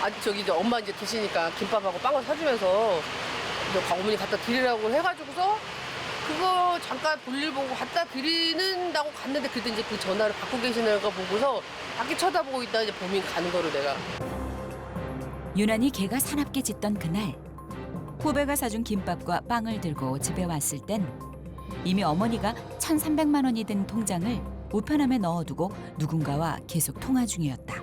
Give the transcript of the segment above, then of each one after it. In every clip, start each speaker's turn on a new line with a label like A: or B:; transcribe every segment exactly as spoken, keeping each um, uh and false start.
A: 아 저기 이제 엄마 이제 드시니까 김밥하고 빵을 사주면서 이제 어머니 갖다 드리라고 해가지고서 그거 잠깐 볼일 보고 갖다 드리는다고 갔는데 그때 이제 그 전화를 받고 계시는 거 보고서 밖에 쳐다보고 있다 이제 범인 가는 거로 내가.
B: 유난히 개가 사납게 짖던 그날 후배가 사준 김밥과 빵을 들고 집에 왔을 땐 이미 어머니가 천삼백만 원이 든 통장을 우편함에 넣어두고 누군가와 계속 통화 중이었다.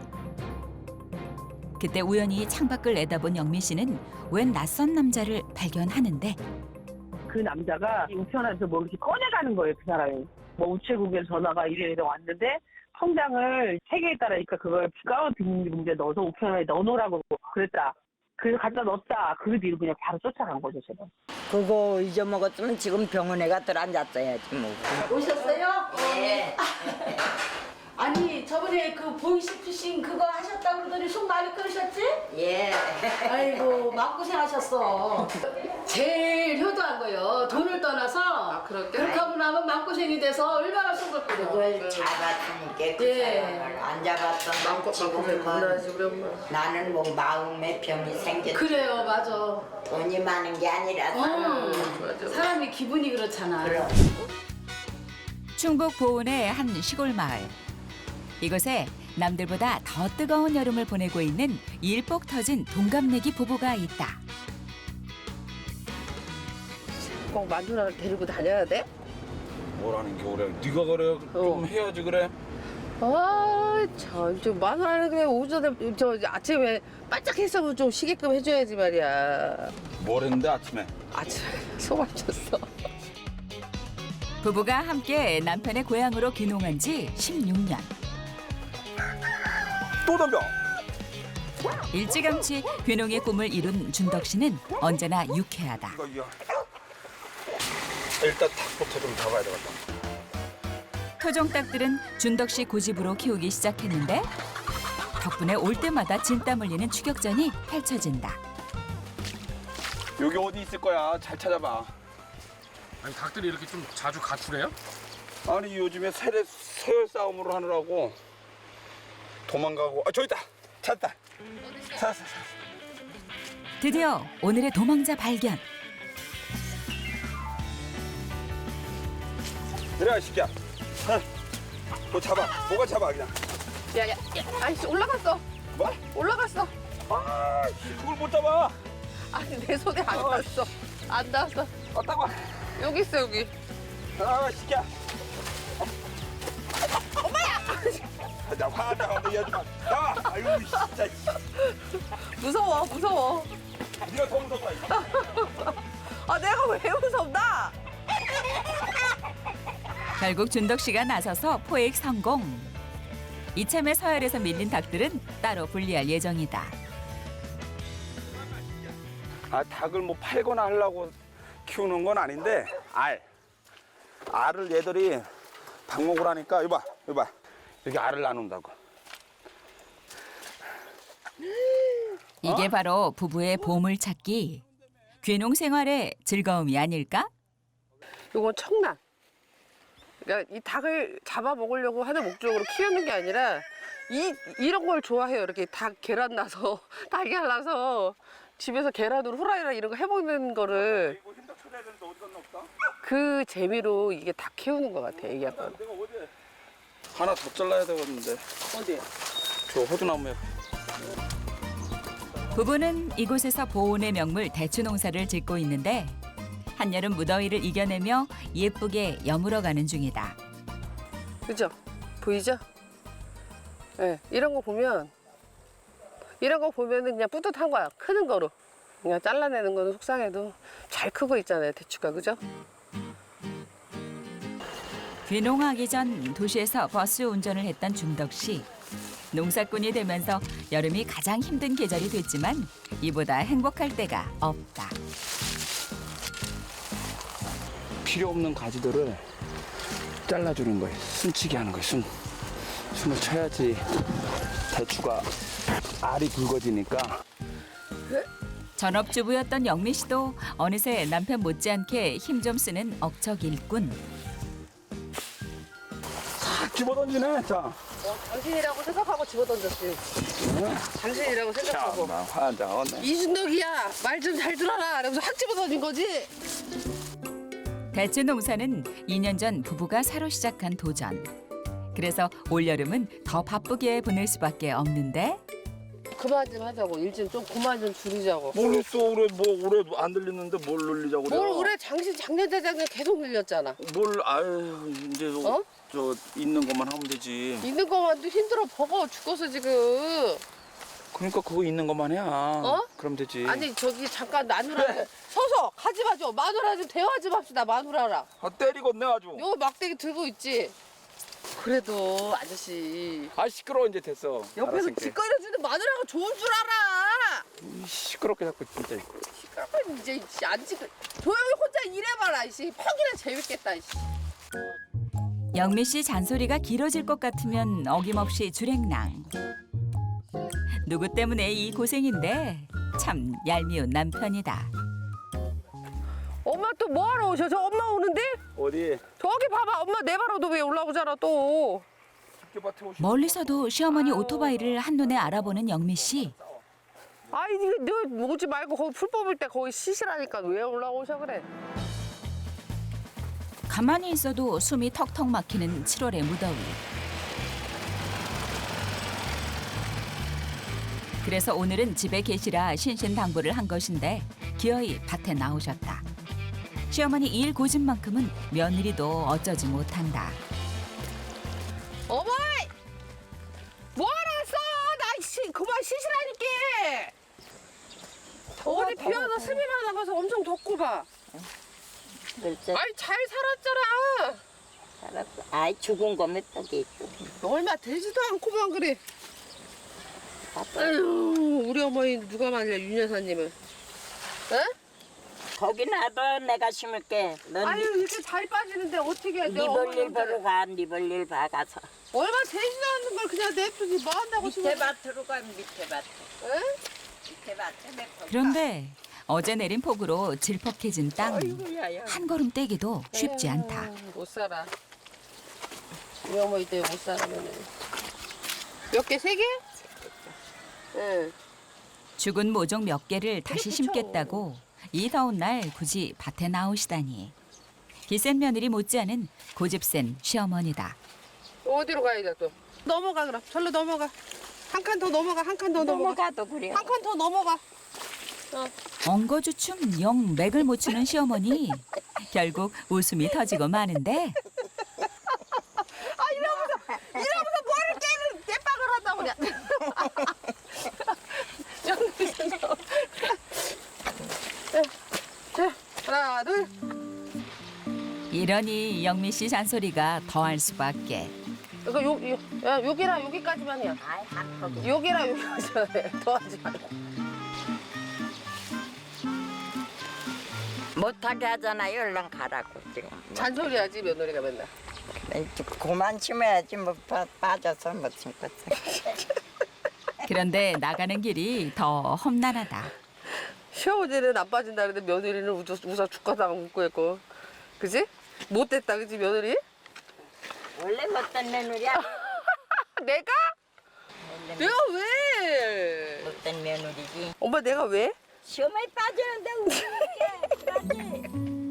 B: 그때 우연히 창밖을 내다본 영미 씨는 웬 낯선 남자를 발견하는데
C: 그 남자가 우편함에서 뭐 이렇게 꺼내가는 거예요, 그 사람이. 뭐 우체국에 전화가 이래 이래 왔는데 통장을 세 개 있다라니까 그걸 가운 비닐봉지에 넣어서 우편함에 넣어놓으라고 그랬다. 그래서 갖다 넣었다. 그 뒤로 그냥 바로 쫓아간 거죠, 제가.
D: 그거 잊어먹었으면 지금 병원에 가 들어앉았어야지 뭐.
E: 오셨어요? 네. 아니 저번에 그 보이스피싱 그거 하셨다고 그러더니 속 많이 끓으셨지?
D: 예.
E: 아이고 마음고생하셨어. 제일 효도한 거요. 돈을 떠나서
A: 아, 그럴게?
E: 그렇게 하고 나면 마음고생이 돼서 얼마나 속을 끓여.
D: 그걸 잡았으니까 그
E: 예.
D: 사람을 안 잡았던
A: 마음껏 마음껏 건너야지 우리 엄마.
D: 나는 뭐 마음에 병이 생겼.
E: 그래요 맞아.
D: 돈이 많은 게 아니라서.
E: 어,
A: 맞아.
E: 사람이 기분이 그렇잖아.
D: 그럼.
B: 충북 보은의 한 시골 마을. 이곳에 남들보다 더 뜨거운 여름을 보내고 있는 일복 터진 동갑내기 부부가 있다.
A: 꼭 만두나를 데리고 다녀야 돼?
F: 뭐라는 게 그래? 네가 그래 좀
A: 어.
F: 해야지 그래.
A: 아, 참, 좀 마누라는 그래 오전에 저 아침에 반짝했으면 좀 쉬게끔 해줘야지 말이야.
F: 뭘 했는데 아침에?
A: 아침에 소말 쳤어.
B: 부부가 함께 남편의 고향으로 귀농한 지 십육 년.
F: 또 덤벼.
B: 일찌감치 귀농의 꿈을 이룬 준덕 씨는 언제나 유쾌하다.
F: 이거 이거. 일단 닭부터 좀 잡아야 되겠다.
B: 토종닭들은 준덕 씨 고집으로 키우기 시작했는데 덕분에 올 때마다 진땀 흘리는 추격전이 펼쳐진다.
F: 여기 어디 있을 거야? 잘 찾아봐.
G: 아니 닭들이 이렇게 좀 자주 가출해요?
F: 아니 요즘에 세례 서열 싸움으로 하느라고 도망가고. 아 저기 있다. 찾았다. 찾았어. 찾았어.
B: 드디어 오늘의 도망자 발견.
F: 그래 이 새끼야. 너 잡아. 뭐가 잡아 그냥.
A: 야, 야, 야, 아이씨, 올라갔어.
F: 뭐?
A: 올라갔어.
F: 아 씨, 그걸 못 잡아.
A: 아니, 내 손에 안 닿았어. 안 닿았어.
F: 왔다고.
A: 여기 있어, 여기.
F: 아 이 새끼야. 엄마야. 나 화나 너 여지마. 나와. 아유 진짜.
A: 무서워, 무서워.
F: 네가 더 무섭다. 이거.
A: 아, 내가 왜 무섭나?
B: 결국 준덕 씨가 나서서 포획 성공. 이참에 서열에서 밀린 닭들은 따로 분리할 예정이다.
F: 아 닭을 뭐 팔거나 하려고 키우는 건 아닌데 알 알을 얘들이 닭 먹으라니까 이봐 이봐 여기 알을 나눈다고.
B: 이게 바로 부부의 보물찾기. 귀농 생활의 즐거움이 아닐까?
A: 이건 청란. 그러니까 이 닭을 잡아 먹으려고 하는 목적으로 키우는 게 아니라 이 이런 걸 좋아해요. 이렇게 닭 계란 나서 달걀 나서 집에서 계란으로 후라이나 이런 거 해먹는 거를
F: 이거 힘들 쳐내야 되는데 어디 갔나 없다?
A: 그 재미로 이게 닭 키우는 것 같아. 이게 약간.
F: 내가 어디 하나 더 잘라야 되겠는데
A: 어디?
F: 저 호두나무에.
B: 부부는 이곳에서 보온의 명물 대추 농사를 짓고 있는데 한여름 무더위를 이겨내며 예쁘게 여물어가는 중이다.
A: 그죠? 보이죠? 예, 네, 이런 거 보면 이런 거 보면은 그냥 뿌듯한 거야. 크는 거로. 그냥 잘라내는 거는 속상해도 잘 크고 있잖아요. 대추가. 그죠?
B: 귀농하기 전 도시에서 버스 운전을 했던 준덕 씨. 농사꾼이 되면서 여름이 가장 힘든 계절이 됐지만 이보다 행복할 때가 없다.
F: 필요 없는 가지들을 잘라주는 거예요. 순치기 하는 거예요. 순 순을 쳐야지 대추가 알이 굵어지니까.
B: 전업주부였던 영미 씨도 어느새 남편 못지않게 힘 좀 쓰는 억척 일꾼.
F: 싹 집어던지네. 자,
A: 어, 당신이라고 생각하고 집어던졌지. 당신이라고 생각하고.
F: 나 환장하네.
A: 이순덕이야, 말 좀 잘 들어라. 이러면서 확 집어던진 거지.
B: 대체 농사는 이 년 전 부부가 새로 시작한 도전. 그래서 올여름은 더 바쁘게 보낼 수밖에 없는데
A: 그만 좀 하자고. 일 좀 좀 그만 좀 줄이자고.
F: 모르겠어. 올해 뭐 올해 안 들리는데 뭘 늘리자고 그래.
A: 뭘 올해 장시 작년 재작년 계속 늘렸잖아.
F: 뭘 아유 이제
A: 어?
F: 저 있는 것만 하면 되지.
A: 있는 것만도 힘들어 버거워 죽겠어 지금.
F: 그러니까 그거 있는 것만 해야.
A: 어?
F: 그럼 되지.
A: 아니 저기 잠깐 마누라 서서 가지 마죠. 마누라 좀 대화 좀 합시다. 마누라랑.
F: 아, 때리겠네 아주.
A: 요 막대기 들고 있지. 그래도 아저씨
F: 아 시끄러워 이제 됐어.
A: 옆에서
F: 알았으니까.
A: 뒷거려주는 마누라가 좋은 줄 알아.
F: 이 시끄럽게 자꾸 진짜.
A: 시끄러워 이제 이씨, 안 시끄. 조용히 혼자 일해봐라 이씨. 퍽이나 재밌겠다 이씨.
B: 영미 씨 잔소리가 길어질 것 같으면 어김없이 주랭랑. 누구 때문에 이 고생인데 참 얄미운 남편이다.
A: 엄마 또 뭐하러 오셔? 저 엄마 오는데?
F: 어디?
A: 저기 봐봐 엄마 내 바로도 왜 올라오잖아 또.
F: 집게밭에 오시.
B: 멀리서도 시어머니 오토바이를 한눈에 알아보는 영미 씨.
A: 아이 너 오지 말고 거기 풀 뽑을 때 거기 쉬시라니까 왜 올라오셔 그래?
B: 가만히 있어도 숨이 턱턱 막히는 칠월의 무더위. 그래서 오늘은 집에 계시라 신신당부를 한 것인데 기어이 밭에 나오셨다. 시어머니 일 고집만큼은 며느리도 어쩌지 못한다.
A: 어머니! 뭐하러 왔어? 나 씨, 그만 쉬시라니까! 어디 비 와서 습이만 나가서 엄청 덥고 봐.
D: 글쎄,
A: 아이 잘 살았잖아.
D: 알았어. 아이, 죽은 거 몇 떡이 있고.
A: 얼마 되지도 않고만 그래. 아유 우리 어머니 누가 말려 윤 여사님은. 에?
D: 거기 놔둬, 내가 심을게. 넌
A: 아유 이렇게 잘 빠지는데 어떻게 해?
D: 네
A: 내
D: 볼일
A: 어머니한테.
D: 보러 가, 네 볼일 봐가서.
A: 얼마 되지도 않는 걸 그냥 냅두지 뭐 한다고
D: 밑에
A: 싶어.
D: 밭으로 가, 밑에 밭.
A: 에?
D: 밑에 밭에 내
B: 그런데 어제 내린 폭우로 질퍽해진 땅.
D: 아이고야,
B: 한 걸음 떼기도 쉽지 않다.
A: 에휴, 못 살아. 우리 어머니 때문에 못 살아면은. 몇 개? 세 개? 응.
B: 죽은 모종 몇 개를 다시 심겠다고 이 더운 날 굳이 밭에 나오시다니. 기센 며느리 못지않은 고집센 시어머니다.
A: 어디로 가야 돼 또? 넘어가 그럼. 절로 넘어가. 한 칸 더 넘어가. 한 칸 더 넘어가.
D: 넘어가도 그래.
A: 한 칸 더 넘어가.
B: 엉거주춤 영 맥을 못 추는 시어머니. 결국 웃음이 터지고 마는데
A: 아 이러면서 이러면서 뭐를 깨는 깨박을 한다고 그냥. 자 하나 둘.
B: 이러니 영미 씨 잔소리가 더할 수밖에.
A: 이거 요, 요, 야, 여기랑 여기까지만이야.
D: 아이, 한턱이.
A: 여기랑 여기까지만 해. 더 하지 말고.
D: 못하게 하잖아요. 얼른 가라고, 지금.
A: 잔소리 하지 며느리가 맨날.
D: 이제 그만 심어야지, 뭐, 빠, 빠져서 못 심겠어.
B: 그런데 나가는 길이 더 험난하다.
A: 시어머니는 안 빠진다는데 며느리는 웃어, 웃어 죽겠다고 웃고 있고. 그지? 못됐다 그지 며느리?
D: 원래 못된 며느리야.
A: 내가?
D: 원래
A: 내가 왜?
D: 못된 며느리지.
A: 엄마 내가 왜?
D: 시험에 빠지는데 웃기게.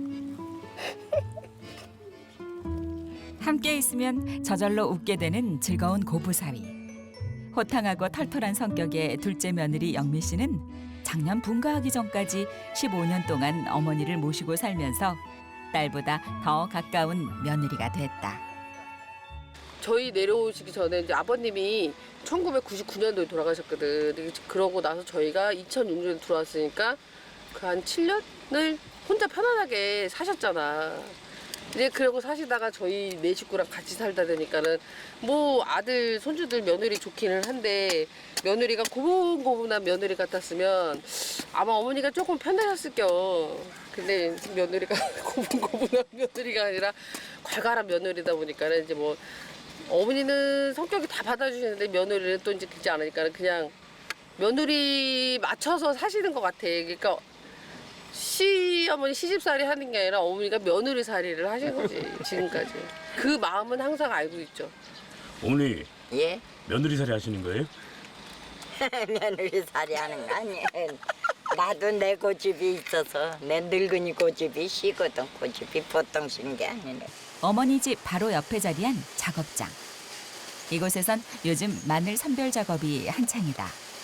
B: 함께 있으면 저절로 웃게 되는 즐거운 고부사위. 호탕하고 털털한 성격의 둘째 며느리 영미 씨는 작년 분가하기 전까지 십오 년 동안 어머니를 모시고 살면서 딸보다 더 가까운 며느리가 됐다.
A: 저희 내려오시기 전에 이제 아버님이 천구백구십구 년도에 돌아가셨거든. 근데 그러고 나서 저희가 이천육 년에 들어왔으니까 그 한 칠 년을 혼자 편안하게 사셨잖아. 이제 그러고 사시다가 저희 네 식구랑 같이 살다 보니까는 뭐 아들 손주들 며느리 좋기는 한데 며느리가 고분고분한 며느리 같았으면 아마 어머니가 조금 편하셨을겨. 근데 며느리가 고분고분한 며느리가 아니라 괄괄한 며느리다 보니까는 이제 뭐 어머니는 성격이 다 받아주시는데 며느리는 또 이제 그렇지 않으니까 그냥 며느리 맞춰서 사시는 것 같아. 그러니까 시어머니 시집살이 하는 게 아니라 어머니가 며느리살이를 하신 거지 지금까지. 그 마음은 항상 알고 있죠.
H: 어머니
D: 예?
H: 며느리살이 하시는 거예요?
D: 며느리 살이 하는 거 아니에요. 나도 내 고집이 있어서 내 늙은이 고집이 시거든. 고집이 보통 신 게 아니네.
B: 어머니 집 바로 옆에 자리한 작업장. 이곳에선 요즘 마늘 선별 작업이 한창이다.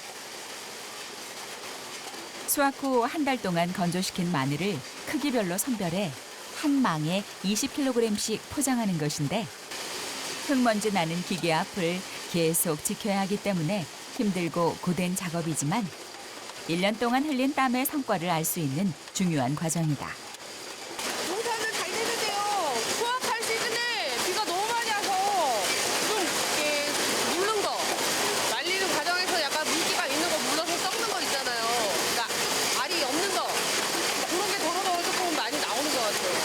B: 수확 후 한 달 동안 건조시킨 마늘을 크기별로 선별해 한 망에 이십 킬로그램씩 포장하는 것인데 흙먼지 나는 기계 앞을 계속 지켜야 하기 때문에 힘들고 고된 작업이지만 일 년 동안 흘린 땀의 성과를 알 수 있는 중요한 과정이다.
A: 농사는 잘 되는데요. 수확할 시즌에 비가 너무 많이 와서 좀 이렇게 물른 거, 말리는 과정에서 약간 물기가 있는 거 물러서 썩는 거 있잖아요. 그러니까 알이 없는 거 그런 게 더러워 조금 많이 나오는 것 같아요.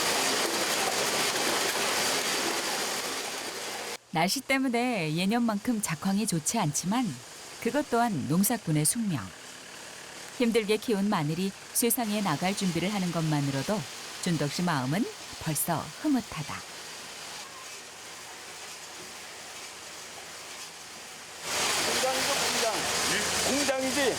B: 날씨 때문에 예년만큼 작황이 좋지 않지만 그것 또한 농사꾼의 숙명. 힘들게 키운 마늘이 세상에 나갈 준비를 하는 것만으로도 준덕 씨 마음은 벌써 흐뭇하다.
F: 공장이죠, 공장. 공장이지?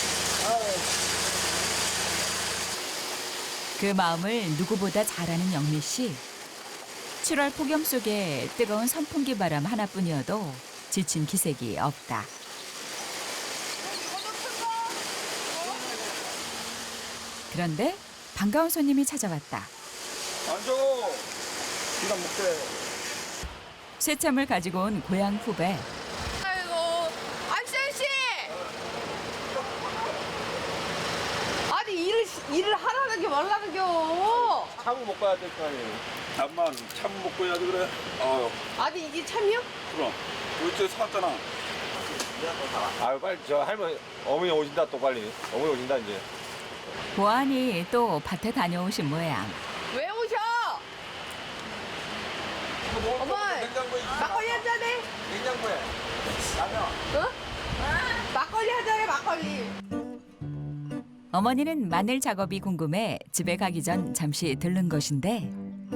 B: 그 마음을 누구보다 잘 아는 영미 씨. 칠월 폭염 속에 뜨거운 선풍기 바람 하나뿐이어도 지친 기색이 없다. 그런데 반가운 손님이 찾아왔다.
F: 앉아. 기가 먹게.
B: 새참을 가지고 온 고향 후배.
A: 아이고, 안sen 씨! 아니 일을 일을 하라는 게 말라는 겨.
F: 참을 먹고 해야 될 거 아니에요. 잠만 참 먹고 해야지 그래. 어,
A: 아니 이게 참이요?
F: 그럼. 우리 저 사왔잖아.
I: 아유 빨리 저 할머니 어머니 오신다 또 빨리 어머니 오신다 이제.
B: 보아하니 또 밭에 다녀오신 모양.
A: 왜 오셔? 어머, 막걸리 한 잔해.
F: 냉장고에. 라면.
A: 어? 막걸리 한 잔해, 막걸리.
B: 어머니는 마늘 작업이 궁금해 집에 가기 전 잠시 들른 것인데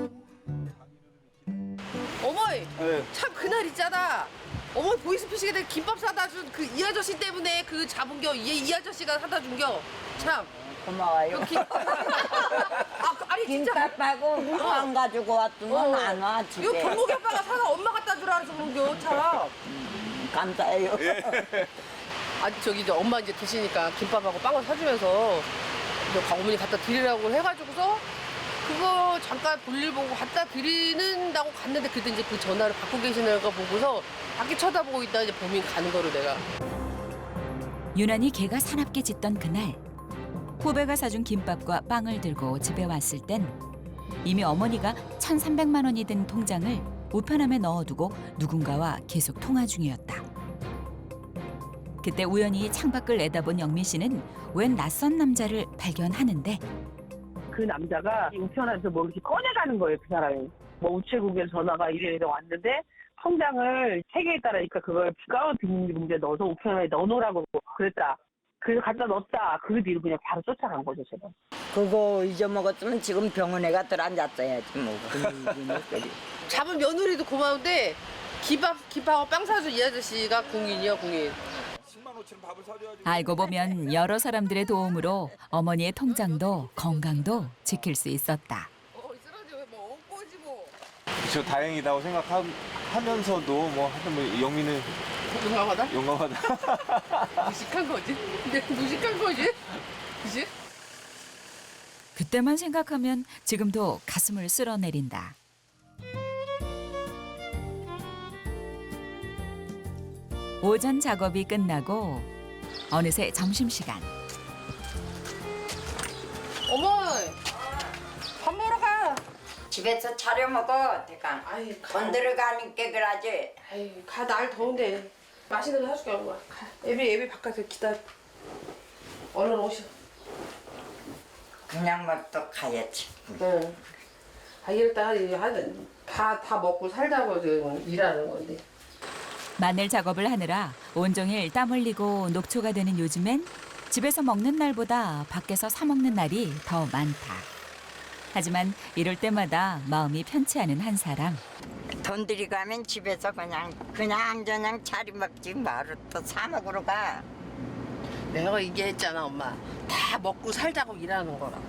A: 어머니,
F: 네.
A: 참 그날 있잖아. 어머니 보이스피싱에 내가 김밥 사다 준 그 이 아저씨 때문에 그 잡은 겨. 얘 이 아저씨가 사다 준 겨. 참.
D: 고마워요.
A: 그 김... 아, 그- 아니 진짜.
D: 김밥하고 안 가지고 왔으면 안 와
A: 이거
D: 집에.
A: 경목이 아빠가 사다 엄마 갖다 주라 그래서 그런 겨. 참.
D: 감사해요.
A: 아 저기 이제 엄마 이제 드시니까 김밥하고 빵을 사주면서 이제 어머니 갖다 드리라고 해가지고서 그거 잠깐 볼일 보고 갖다 드리는다고 갔는데 그때 이제 그 전화를 받고 계시는 거 보고서 밖에 쳐다보고 있다 이제 범인 가는 거로 내가.
B: 유난히 개가 사납게 짖던 그날 후배가 사준 김밥과 빵을 들고 집에 왔을 땐 이미 어머니가 천삼백만 원이 든 통장을 우편함에 넣어두고 누군가와 계속 통화 중이었다. 그때 우연히 창밖을 내다본 영미 씨는 웬 낯선 남자를 발견하는데
C: 그 남자가 우편함에서 뭐 이렇게 꺼내가는 거예요, 그 사람이. 뭐 우체국에서 전화가 이래 이래 왔는데 통장을 세 개에 따라니까 그걸 가운 비닐봉지에 넣어서 우편함에 넣어놓으라고 그랬다. 그래서 갖다 넣었다. 그 뒤로 그냥 바로 쫓아간 거죠, 제가.
D: 그거 잊어먹었으면 지금 병원에 가 들어앉았어야지 뭐.
A: 잡은 며느리도 고마운데 김밥, 김밥하고 빵 사준 이 아저씨가 궁인이요, 궁인.
F: 십만 오천 밥을 사줘야지.
B: 알고 보면 여러 사람들의 도움으로 어머니의 통장도 건강도 지킬 수 있었다.
A: 어, 쓰러지 뭐 엉꼬지 뭐.
I: 저 다행이다고 생각하면서도 뭐 하여튼 뭐 영미는
A: 용감하다?
I: 용감하다.
A: 무식한 거지? 근데 무식한 거지? 그지?
B: 그때만 생각하면 지금도 가슴을 쓸어내린다. 오전 작업이 끝나고 어느새 점심시간.
A: 어머니! 밥 먹으러 가!
D: 집에서 차려 먹어 대강.
A: 아이, 가.
D: 건드려 가니까 그러지.
A: 아이, 가, 날 더운데. 맛있는 거 사줄게, 엄마. 가. 애비, 애비 바깥에 기다려. 얼른 오셔.
D: 그냥 뭐 또 가야지.
A: 응. 아, 일단, 다, 다 먹고 살자고 지금 일하는 건데.
B: 마늘 작업을 하느라 온종일 땀 흘리고 녹초가 되는 요즘엔 집에서 먹는 날보다 밖에서 사 먹는 날이 더 많다. 하지만 이럴 때마다 마음이 편치 않은 한 사람.
D: 돈 들이가면 집에서 그냥 그냥 저냥 차려 먹지 뭐로 또 사 먹으러 가.
A: 내가 얘기했잖아, 엄마. 다 먹고 살자고 일하는 거라.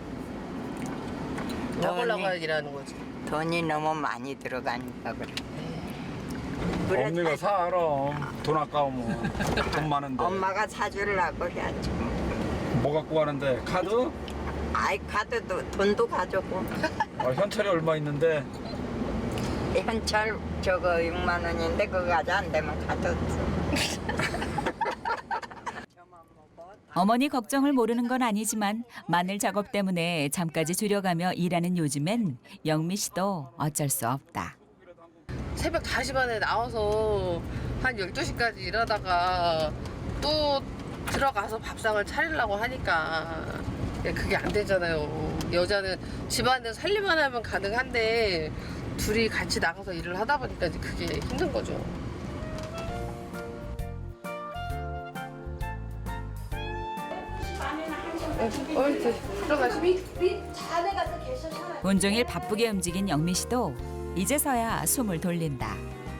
A: 먹으려고
D: 돈이,
A: 일하는 거지.
D: 돈이 너무 많이 들어가니까 그래. 그래,
F: 언니가 사 그럼 돈 아까우면 돈 많은데
D: 엄마가 사주려고 해야지.
F: 뭐 갖고 가는데 카드?
D: 아이 카드도 돈도 가져고.
F: 아, 현찰이 얼마 있는데
D: 현찰 저거 육만 원인데 그거 가져 안 되면 카드 없어.
B: 어머니 걱정을 모르는 건 아니지만 마늘 작업 때문에 잠까지 줄여가며 일하는 요즘엔 영미 씨도 어쩔 수 없다.
A: 새벽 다시 반에 나와서 한 열두 시까지 일하다가 또 들어가서 밥상을 차리려고 하니까 그게 안 되잖아요. 여자는 집안에서 살림만 하면 가능한데 둘이 같이 나가서 일을 하다 보니까 이제 그게 힘든 거죠. 어, 들어가시미?
E: 자네 가서 계셔.
B: 온종일 바쁘게 움직인 영미 씨도 이제서야 숨을 돌린다.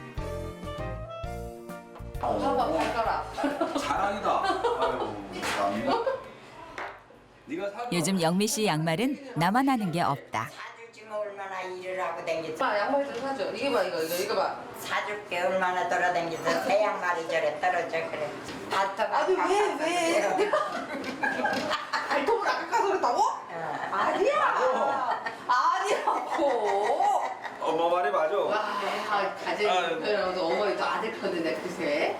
A: 봐봐, 발가락.
F: 자랑이다. 아유, 참. 네가 사.
B: 요즘 영미 씨 양말은 나만 하는 게 없다.
D: 사주지 뭐 얼마나 일을 하고 댕기지.
A: 엄마, 양말 좀 사줘. 이거 봐, 이거, 이거, 이거 봐.
D: 사줄게 얼마나 돌아댕기서 새 양말이 저래 떨어져 그래. 발톱
A: 아니, 왜, 왜? 발톱을 아까 가서 그랬다고? 아니야. 아니라고.
F: 엄마 말이 맞아.
A: 와, 가재
F: 아이고.
A: 편이라서 어머니도 아들 편이네, 글쎄.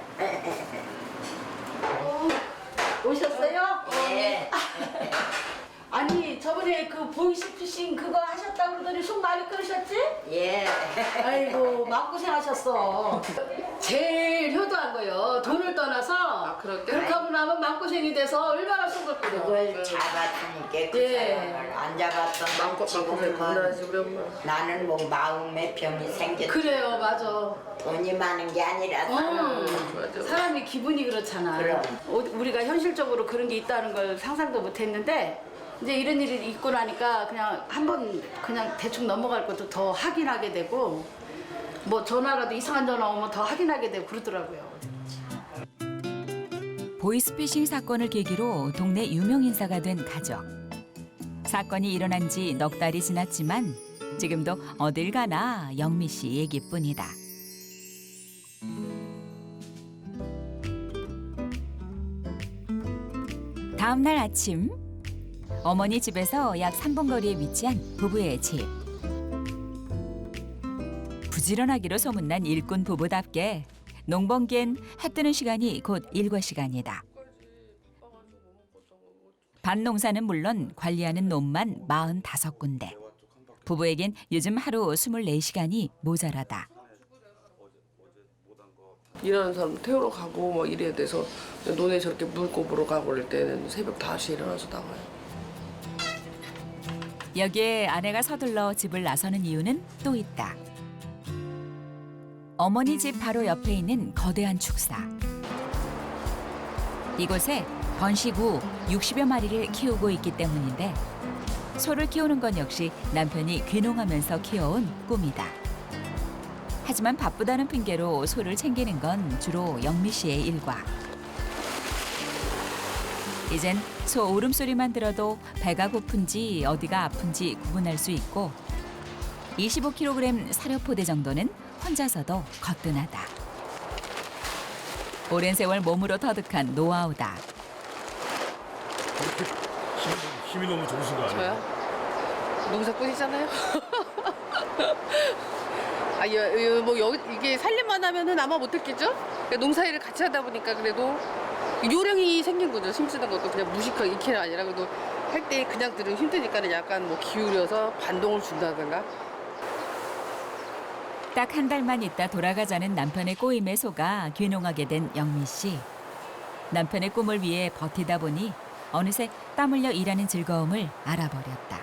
E: 오셨어요?
D: 예.
E: 아니 저번에 그 보이스피싱 그거 하셨다고 그러더니 속 많이 끓으셨지?
D: 예.
E: 아이고 마음고생하셨어. 제일 효도한 거요. 돈을 떠나서
A: 아, 그럴게?
E: 그렇게 하고 나면 마음고생이 돼서 얼마나 속을 끓여.
D: 그걸 잡았으니까 그
E: 예.
D: 사람을 안 잡았던
A: 마음껏 마음껏 만나지, 우리 엄마.
D: 나는 뭐 마음의 병이 생겼지.
E: 그래요 맞아.
D: 돈이 많은 게 아니라서.
E: 음,
A: 맞아.
E: 사람이 기분이 그렇잖아.
D: 그럼.
E: 어, 우리가 현실적으로 그런 게 있다는 걸 상상도 못했는데 이제 이런 일이 있고 나니까 그냥 한번 그냥 대충 넘어갈 것도 더 확인하게 되고 뭐 전화라도 이상한 전화 오면 더 확인하게 되고 그러더라고요.
B: 보이스피싱 사건을 계기로 동네 유명 인사가 된 가족. 사건이 일어난 지 넉 달이 지났지만 지금도 어딜 가나 영미 씨 얘기뿐이다. 다음 날 아침 어머니 집에서 약 삼 분 거리에 위치한 부부의 집. 부지런하기로 소문난 일꾼 부부답게 농번기엔 해 뜨는 시간이 곧 일과 시간이다. 밭농사는 물론 관리하는 놈만 마흔다섯 군데. 부부에겐 요즘 하루 스물네 시간이 모자라다.
A: 일하는 사람 태우러 가고 뭐 이래야 돼서 논에 저렇게 물고 보러 가고 그럴 때는 새벽 다섯 시에 일어나서 나가요.
B: 여기에 아내가 서둘러 집을 나서는 이유는 또 있다. 어머니 집 바로 옆에 있는 거대한 축사. 이곳에 번식 후 육십여 마리를 키우고 있기 때문인데 소를 키우는 건 역시 남편이 귀농하면서 키워온 꿈이다. 하지만 바쁘다는 핑계로 소를 챙기는 건 주로 영미 씨의 일과. 이젠 소 울음소리만 들어도 배가 고픈지 어디가 아픈지 구분할 수 있고 이십오 킬로그램 사료포대 정도는 혼자서도 거뜬하다. 오랜 세월 몸으로 터득한 노하우다.
G: 힘, 힘이 너무 좋으신 거 아니에요?
A: 저요? 농사꾼이잖아요. 아, 여, 여, 뭐 여기 이게 살림만 하면은 아마 못 했겠죠? 그러니까 농사일을 같이 하다 보니까 그래도 요령이 생긴 거죠. 심쓰는 것도 그냥 무식하게 익히는 아니라 그래도 할 때 그냥 들으면 힘드니까는 약간 뭐 기울여서 반동을 준다든가.
B: 딱 한 달만 있다 돌아가자는 남편의 꼬임에 속아 귀농하게 된 영미 씨. 남편의 꿈을 위해 버티다 보니 어느새 땀 흘려 일하는 즐거움을 알아버렸다.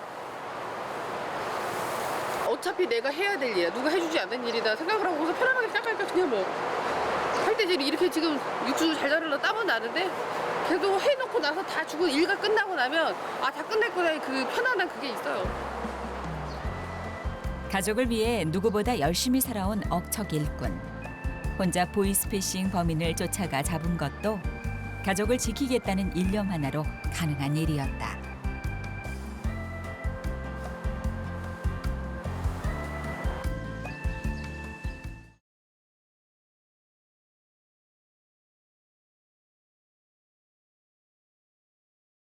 A: 어차피 내가 해야 될 일이야. 누가 해주지 않는 일이다 생각을 하고서 편안하게 시작하니까 그냥 뭐 할 때 이렇게 지금 육수 잘 자르려 땀은 나는데 그래도 해놓고 나서 다 주고 일가 끝나고 나면 아 다 끝냈구나 그 편안한 그게 있어요.
B: 가족을 위해 누구보다 열심히 살아온 억척 일꾼. 혼자 보이스피싱 범인을 쫓아가 잡은 것도 가족을 지키겠다는 일념 하나로 가능한 일이었다.